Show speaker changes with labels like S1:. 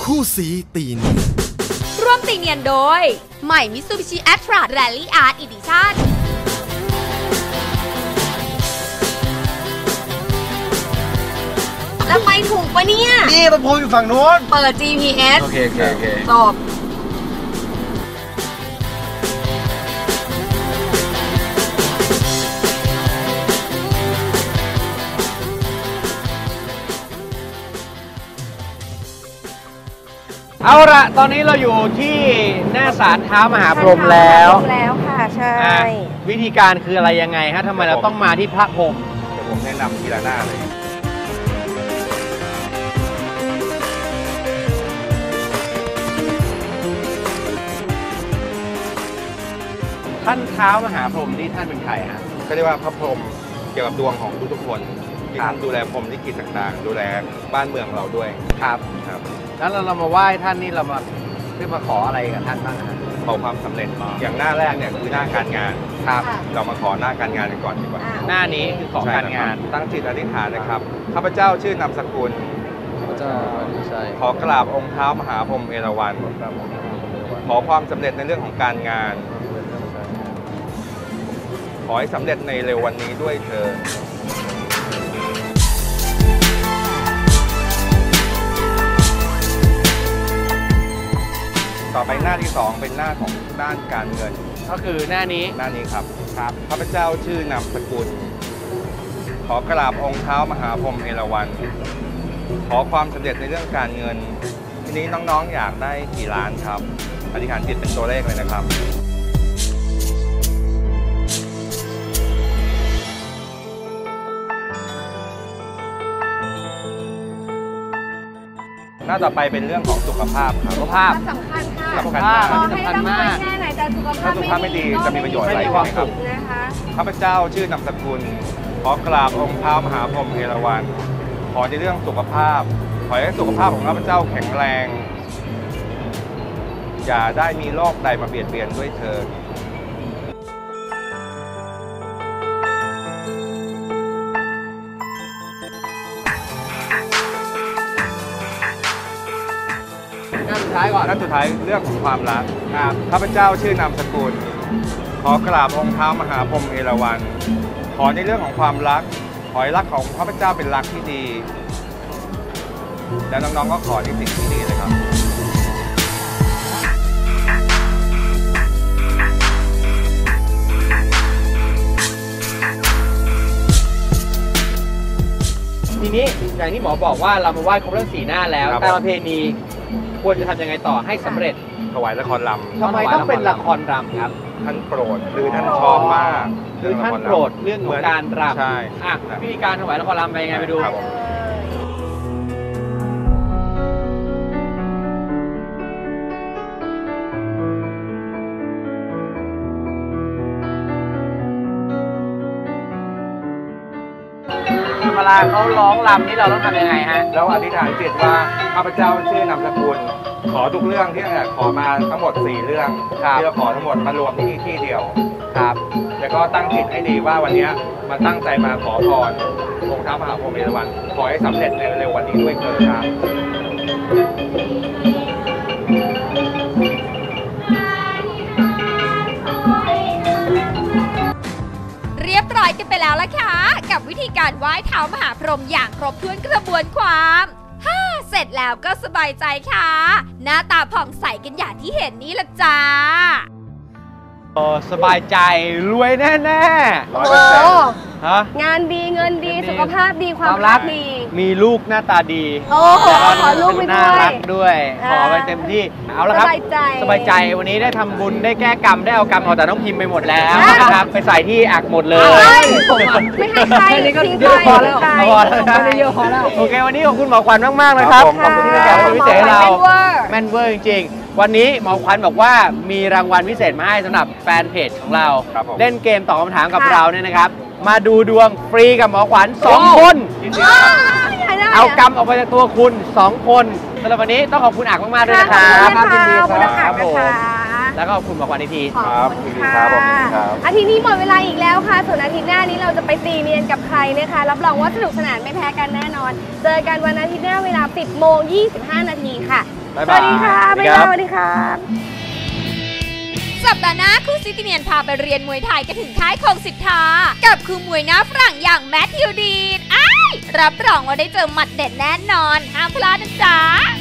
S1: คู่สีตีเนียน
S2: ร่วมตีเนียนโดยใหม่ Mitsubishi Atra Rally Art Edition แล้วไปถูกปะเนี่ย
S3: นี่มันพูดอยู่ฝั่งนู้น
S2: เปิด GPS
S3: โอเค
S2: จบ
S3: เอาละตอนนี้เราอยู่ที่หน้าศาลเท้ามหาพรหมแล้ว
S4: ค่ะใช่
S3: วิธีการคืออะไรยังไงฮะทำไมเราต้องมาที่พระพรหม
S5: เดี๋ยวผมแนะนำทีละหน้าเลย
S3: ท่านเท้ามหาพรหมนี่ท่านเป็นใครฮะ
S5: ก็เรียกว่าพระพรหมเกี่ยวกับดวงของทุกๆคนที่ดูแลพรหมลิขิตต่างๆดูแลบ้านเมืองเราด้วย
S3: ครับแล้วเรามาไหว้ท่านนี่เรามาเพื่อมาขออะไรกับท่านบ้างฮะ
S5: ขอความสำเร็จอย่างหน้าแรกเนี่ยคือหน้าการงาน
S3: ครับ
S5: เรามาขอหน้าการงานกันก่อนดีกว่า
S3: หน้านี้คือขอการงาน
S5: ตั้งจิตอธิษฐานนะครับข้าพเจ้าชื่อนามสกุลขอกราบองค์เท้ามหาพรหมเอราวัณขอความสำเร็จในเรื่องของการงานขอให้สำเร็จในเร็ววันนี้ด้วยเธอต่อไปหน้าที่2เป็นหน้าของด้านการเงิน
S3: ก็คือหน้านี้
S5: ครับข้าพเจ้าชื่อนามสกุลขอกราบองค์เท้ามหาพรหมเอราวัณขอความสำเร็จในเรื่องการเงินทีนี้น้องๆอยากได้กี่ล้านครับอธิษฐานจิตเป็นตัวเลขเลยนะครับหน้าต่อไปเป็นเรื่องของสุขภาพครับ
S3: สุขภาพ
S4: สำคัญค่ะ
S3: สุขภาพสำคัญมาก
S4: แค่ไหนแต่สุขภาพ
S5: ไม่ดีจะมีประโยชน์อะไรครับข้าพเจ้าชื่อนามสกุลขอกราบองค์เท้ามหาพรหมเอราวัณขอในเรื่องสุขภาพขอให้สุขภาพของข้าพเจ้าแข็งแรงอย่าได้มีโรคใดมาเบียดเบียนด้วยเถิด
S3: หน้าสุดท้ายก่อน
S5: หน้าสุดท้ายเรื่องของความรักข้าพเจ้าชื่อนามสกุลขอกราบองค์เท้ามหาพรหมเอราวัณขอในเรื่องของความรักขอให้รักของข้าพเจ้าเป็นรักที่ดีแล้วน้องๆก็ขอในสิ่งที่ดีเลยครับ
S3: ทีนี้อย่างที่หมอบอกว่าเรามาไหว้ครบทั้ง4หน้าแล้วแต่ประเพณีควรจะทำยังไงต่อให้สำเร็จ
S5: ถวายละครรำ
S3: ทำไมต้องเป็นละครรำครับ
S5: ท่านโปรดหรือท่านชอบมาก
S3: คือท่านโปรดเรื่องของการรำ
S5: ใช่
S3: วิธีการถวายละครรำไปยังไงไปดูเวลาเขาร้องรำนี่เราต้องทำยังไงฮะ
S5: แล้วอธิษฐานจิตว่าข้าพเจ้าชื่อนามสกุลขอทุกเรื่องที่ขอมาทั้งหมด4เรื่องที่เราขอทั้งหมดมารวมที่เดียว
S3: ครับ
S5: แล้วก็ตั้งจิตให้ดีว่าวันนี้มาตั้งใจมาขอพรองค์เท้ามหาพรหมเอราวัณขอให้สำเร็จในเร็ววันนี้ด้วยเถิดครับ
S2: เรียบร้อยกันไปแล้วล่ะค่ะกับวิธีการไหว้เท้ามหาพรหมอย่างครบถ้วนกระบวนความเสร็จแล้วก็สบายใจค่ะหน้าตาผ่องใสกันอย่างที่เห็นนี่ละจ้า
S3: สบายใจรวยแน่ๆ
S4: งานดีเงินดีสุขภาพดีความรักดี
S3: มีลูกหน้าตาดี
S4: ขอลูกไปด้วย
S3: น่ารักด้วยขอไปเต็มที่เอาละครับสบายใจวันนี้ได้ทำบุญได้แก้กรรมได้เอากรรมออกจากน้องพิมพ์ไปหมดแล้วนะครับไปใส่ที่อักหมดเลย
S4: ไม่ให้ใคร
S3: นี่ก็เยอะพอแล้วไม่ได้เยอะพอแล้วโอเควันนี้ขอบคุณหมอขวัญมากๆเลยครับขอบคุณที่แขกรับพิเศษเราแม่นเวอร์จริงวันนี้หมอขวัญบอกว่ามีรางวัลพิเศษมาให้สำหรับแฟนเพจของเราเล่นเกมตอบคำถามกับเราเนี่ยนะครับมาดูดวงฟรีกับหมอขวัญ2 คนเอากรรมออกไปจากตัวคุณ2 คนสำหรับวันนี้ต้องขอบคุณอักมากๆด้วยนะครับ
S4: ขอบคุณครับผม
S3: แล้วก็ขอบคุณหมอขวัญอีกที
S5: ครับยินดีครับผมครับ
S4: อาทิตย์นี้หมดเวลาอีกแล้วค่ะส่วนอาทิตย์หน้านี้เราจะไปตีเนียนกับใครนะคะรับรองว่าสนุกสนานไม่แพ้กันแน่นอนเจอกันวันอาทิตย์หน้าเวลา 10:25 นาทีค่ะ
S3: บ๊าย
S4: ส
S3: บาย
S4: วัสดีค่ะบ๊ายบายสวัสดีครับ
S2: สัปดาห์หน้าครูซิติเนียนพาไปเรียนมวยไทยกันถึงค่ายคงสิทธากับครูมวยหน้าฝรั่งอย่างแมทธิวดีนรับรองว่าได้เจอหมัดเด็ดแน่นอนห้ามพลาดนะจ๊ะ